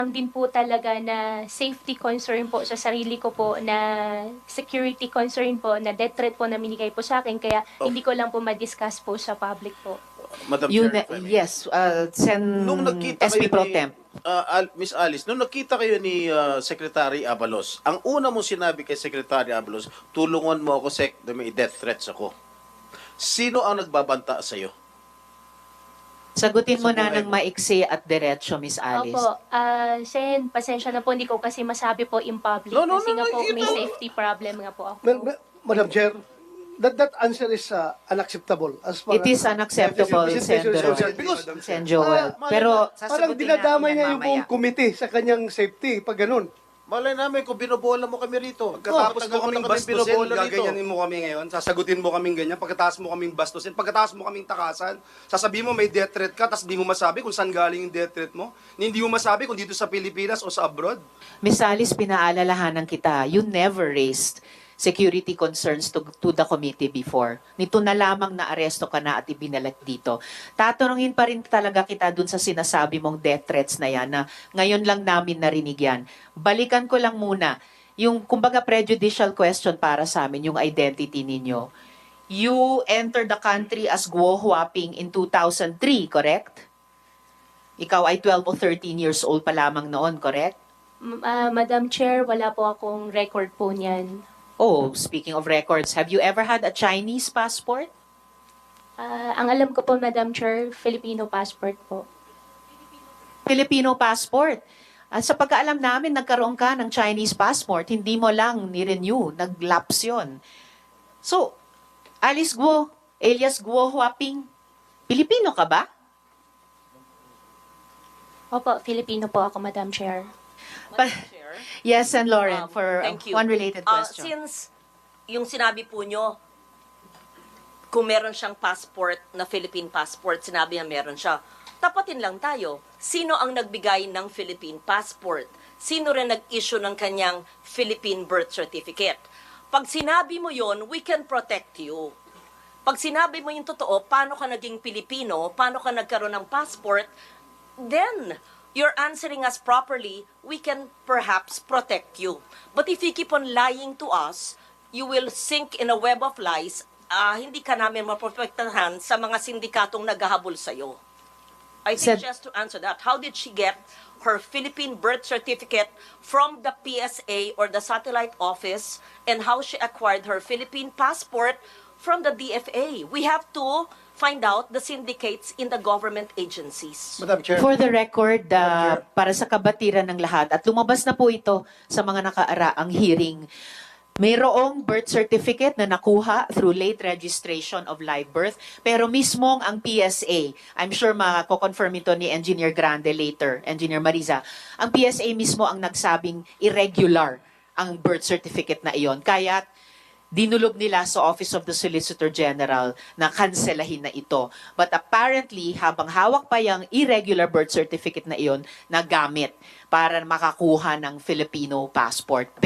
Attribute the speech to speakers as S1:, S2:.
S1: din po talaga na safety concern po sa sarili ko po, na security concern po, na death threat po na minigay po sa akin, kaya hindi ko lang po ma-discuss po sa public po.
S2: Madam
S3: You
S2: Chair, if I may.
S3: yes,
S2: Nung nagkita
S3: SP
S2: kayo
S3: Pro
S2: ni,
S3: Temp.
S2: Miss Alice, nung nakita kayo ni Secretary Abalos, ang una mong sinabi kay Secretary Abalos, tulungan mo ako, Sec, na may death threats ako. Sino ang nagbabanta sa'yo?
S3: Sagutin mo
S2: Sa
S3: na
S2: buhay
S3: ng
S2: mo.
S3: maiksi at diretso, Miss Alice.
S1: Opo, Sen, pasensya na po, hindi ko kasi masabi po in public
S2: No, no,
S1: kasi
S2: no,
S1: nga
S2: no,
S1: po
S2: you
S1: may
S2: don't.
S1: safety problem nga po ako.
S4: Madam Chair, that answer is unacceptable. As far
S3: It is unacceptable,
S4: as
S3: Sen.
S4: Presentation, because
S3: Sen Joel.
S4: ah,
S3: Pero
S4: parang dinadamay niya yung buong committee sa kanyang safety pag ganun.
S2: Malay namin kung binobola mo kami rito.
S5: Pagkatapos mo kaming bastusin,
S2: binobola
S5: gaganyanin mo kami ngayon, sasagutin mo kaming ganyan, pagkatapos mo kaming bastusin, pagkatapos mo kaming takasan, sasabihin mo may death threat ka, tapos di mo masabi kung saan galing yung death threat mo, hindi mo masabi kung dito sa Pilipinas o sa abroad.
S3: Miss Alice, pinaalalahanan kita, you never raised security concerns to the committee before. Nito na lamang na aresto ka na at ibinalik dito. Tatanungin pa rin talaga kita dun sa sinasabi mong death threats na yan, na ngayon lang namin narinig yan. Balikan ko lang muna, yung kumbaga prejudicial question para sa amin, yung identity ninyo. You entered the country as Guo Huaping in 2003, correct? Ikaw ay 12 o 13 years old pa lamang noon, correct?
S1: Madam Chair, wala po akong record po niyan.
S3: Oh, speaking of records, have you ever had a Chinese passport?
S1: Ang alam ko po, Madam Chair, Filipino passport po.
S3: Filipino passport. At sa pagkaalam namin, nagkaroon ka ng Chinese passport, hindi mo lang ni-renew, nag-lapse yun. So, Alice Guo, alias Guo Huaping, Pilipino ka ba?
S1: Opo, Filipino po ako, Madam Chair.
S6: Chair.
S3: Yes, and Lauren, for
S6: Thank you.
S3: one related question.
S6: Since yung sinabi po nyo, kung meron siyang passport na Philippine passport, sinabi niya meron siya. Tapatin lang tayo. Sino ang nagbigay ng Philippine passport? Sino rin nag-issue ng kanyang Philippine birth certificate? Pag sinabi mo yon, we can protect you. Pag sinabi mo yung totoo, paano ka naging Pilipino, paano ka nagkaroon ng passport, then you're answering us properly, we can perhaps protect you. But if you keep on lying to us, you will sink in a web of lies. Hindi ka namin maprotektahan sa mga sindikatong naghahabol sa'yo. I think just to answer that, how did she get her Philippine birth certificate from the PSA or the satellite office, and how she acquired her Philippine passport from the DFA? We have to find out the syndicates in the government agencies.
S4: Madam Chair.
S3: For the record, para sa kabatiran ng lahat, at lumabas na po ito sa mga nakaaraang hearing, mayroong birth certificate na nakuha through late registration of live birth, pero mismong ang PSA, I'm sure mako-confirm ito ni Engineer Grande later, Engineer Mariza, ang PSA mismo ang nagsabing irregular ang birth certificate na iyon. Kaya dinulob nila sa Office of the Solicitor General na kanselahin na ito. But apparently, habang hawak pa yung irregular birth certificate na iyon, nagamit para makakuha ng Filipino passport.